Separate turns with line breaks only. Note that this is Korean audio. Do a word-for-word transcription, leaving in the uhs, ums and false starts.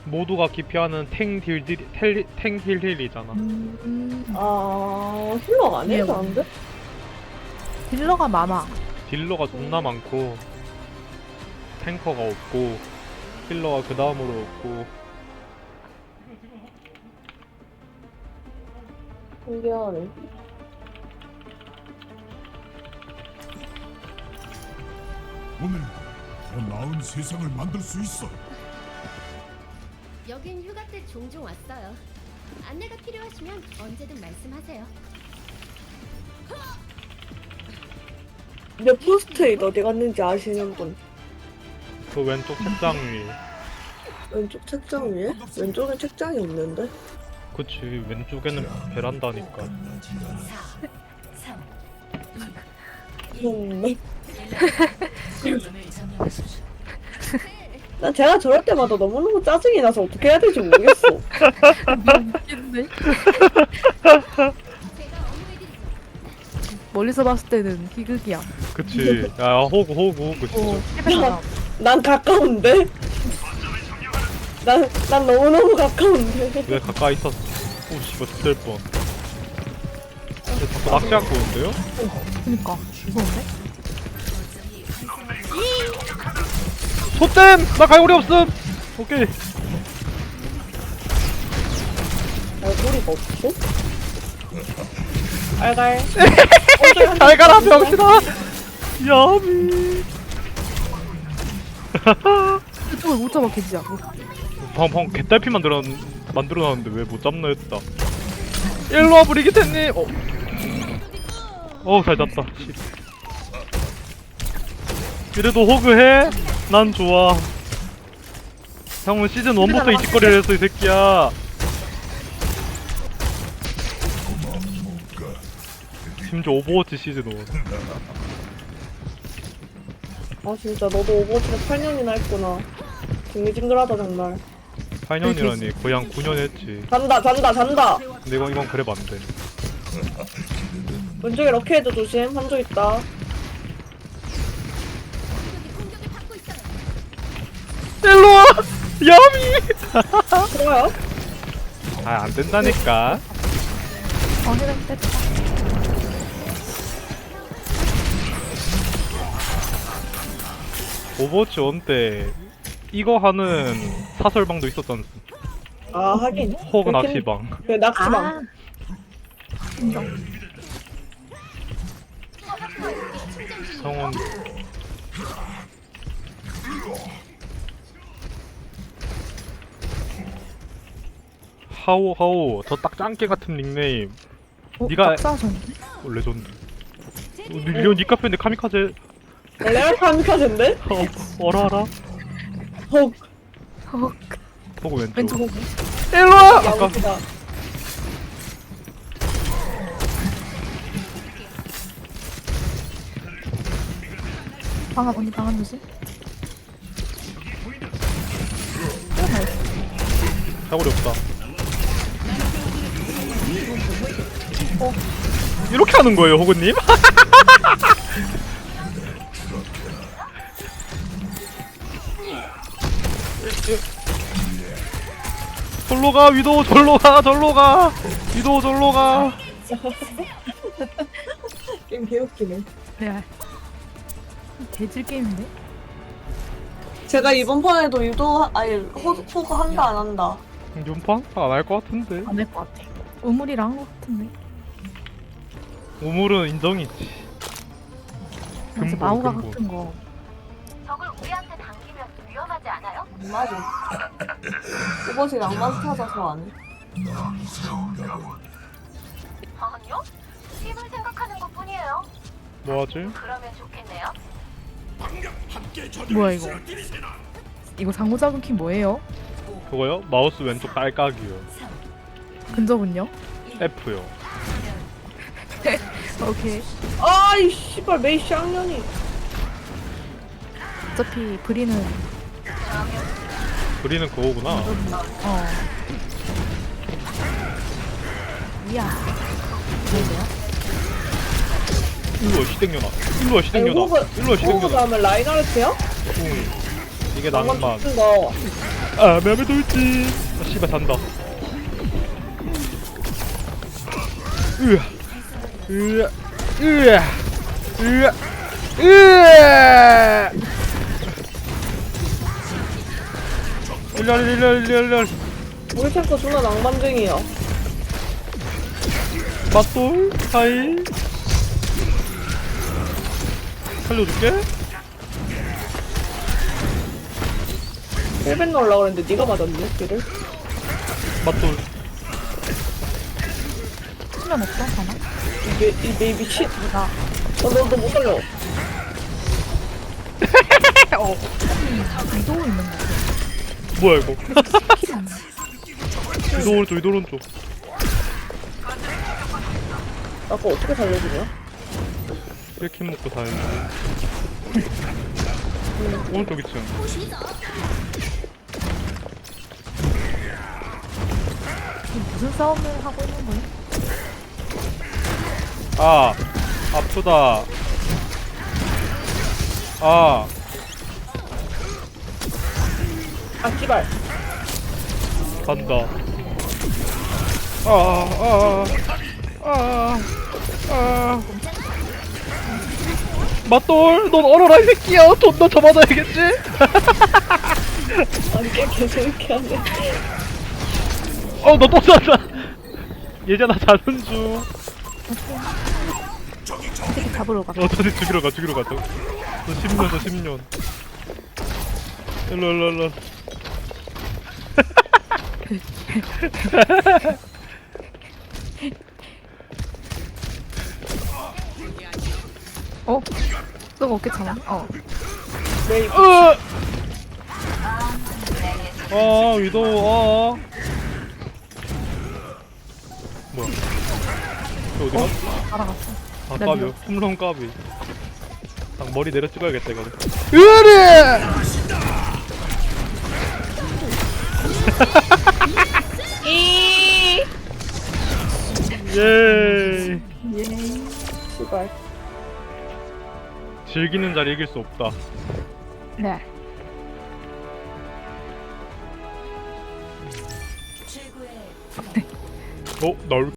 모두가 기피하는 탱 딜, 딜, 탱 딜 딜이잖아.
음,
아 힐러가 안
예.
해서 안 돼?
딜러가 많아.
딜러가 존나 많고 탱커가 없고 힐러가 그 다음으로 없고.
신기하네.
오늘 더 나은 세상을 만들 수 있어.
여긴 휴가 때 종종 왔어요. 안내가 필요하시면 언제든 말씀하세요.
내 포스트잇 어디 갔는지 아시는 분?
그 왼쪽 책장 위.
왼쪽 책장 위에? 왼쪽엔 책장이 없는데?
그치, 왼쪽에는 베란다니까.
음. 난 제가 저럴 때마다 너무너무 짜증이 나서 어떻게 해야 될지 모르겠어.
웃긴데? 멀리서 봤을 때는 희극이야.
그치. 야, 호구, 호구, 호구,
어,
진짜.
해변
난 가까운데? 난, 난 너무너무 가까운데?
왜 가까이 있었어? 오, 씨발, 죽을 뻔. 근데 자꾸 낚시하고 오는데요?
그니까 무서운데?
소댐! 나 갈고리 없음! 오케이.
얼굴이가 없어? 알갈.
잘 가라, 병신아! 야미.
이쪽을 못 잡아 개지야.
방금, 방금 개딸피 만들어, 만들어놨는데 왜 못 잡나 했다. 일로와, 브리기테님! 어. 어, 잘 잡다. 씨. 그래도 호그해? 난 좋아. 형은 시즌 일부터 이 짓거리를 했어, 이 새끼야. 심지어 오버워치 시즌 일.
아 진짜 너도 오버워치를 팔 년이나 했구나. 징글징글하다 정말.
팔 년이라니 거의 한 구 년 했지.
잔다 잔다 잔다.
근데 이건, 이건 그래도 안 돼.
왼쪽에 럭키헤드 조심. 한조 있다.
일로와! 야미!
좋아요.
아, 안 된다니까.
어 해변 뺐다.
오버워치 일 때 이거 하는 사설방도 있었잖아.
아 하긴.
호그 낚시방.
그 낚시방.
아 인정.
성원. 하오 하오 저 딱 짱깨 같은 닉네임.
어,
네가-
낙사하셨는데?
어, 레전드. 어, 니, 니 카페인데 카미카제.
레알 카미카제인데?
어, 어라라.
헉.
어,
호그 왼쪽.
왼쪽 오고.
일로와! 아까
야무지다.
방아 언니 방아 조심.
사거리 없다. 어. 이렇게 하는 거예요, 호그님? 절로 가, 위도 절로 가, 절로 가, 위도 절로 가.
게임 개웃기네.
레알. 개질 게임인데?
제가 이번 판에도 유도 아니 호, 호그 한다 안 한다.
연판? 안 할 것 같은데.
안 할 것 같아. 우물이랑 한 것 같은데.
우물은 인정이지.
진짜
근본,
마우가
근본.
같은 거.
적을 우리한테 당기면 위험하지 않아요?
맞아. 오버워치 낭만 찾아서 안 해.
아니요. 팀을 생각하는 것뿐이에요.
뭐하지?
그러면 좋겠네요.
뭐야 이거? 이거 상호 작은 키 뭐예요?
그거요? 마우스 왼쪽 딸깍이요.
근접은요?
F요.
오케이.
아이 씨발 메이 쌍년이.
어차피 브리는
그리는 그거구나.
어. 이야. 뭐야?
일로와 시댕년아. 일로와
아니
시댕년아.
호그
일로와
호그
시댕년아.
다음에 라인하르트야?
응. 이게
낭만
낭만.
거.
아 매매 돌진. 아 씨발 잔다. 으아 으아 으아 으아 으아 일렬 일렬 일렬 일렬.
우리 탱커 존나 낭만쟁이야.
맞돌 하이 살려줄게.
힐벤 넣으려고 그랬는데 네가 맞았네 길을.
맞돌.
수면 없어 하나?
이게 이게 미친.
나
어, 너너 못 살려.
위도 있는 거.
뭐야 이거? 위도 오른쪽 위도 오른쪽.
나 그거 어떻게 살려주냐?
이렇게 먹고 다니는데. 오른쪽 이층.
이게 무슨 싸움을 하고 있는 거야?
아 아프다. 아
아 씨발.
간다. 아아아아 아, 아. 맞돌 넌 얼어라 이 새끼야. 존나 더 맞아야겠지?
아니 꽤 개재밌게 하네.
어너 또 쐈다. 예전아 자는 중.
어떻게 잡으러 가?
어 저기 죽이러 가 죽이러 가죠. 저 십 년 저 십 년. 일로 일로 일로.
어? 너가 없겠잖아. 어.
메이
으! 아 위도 아 뭐야 저 어디가?
알아갔어.
아
나
까비요
미웠어.
홈런 까비. 딱 머리 내려 찍어야겠다 이거는. 으리! 예.
씨발.
즐기는 자리 이길 수 없다.
네.
어? 날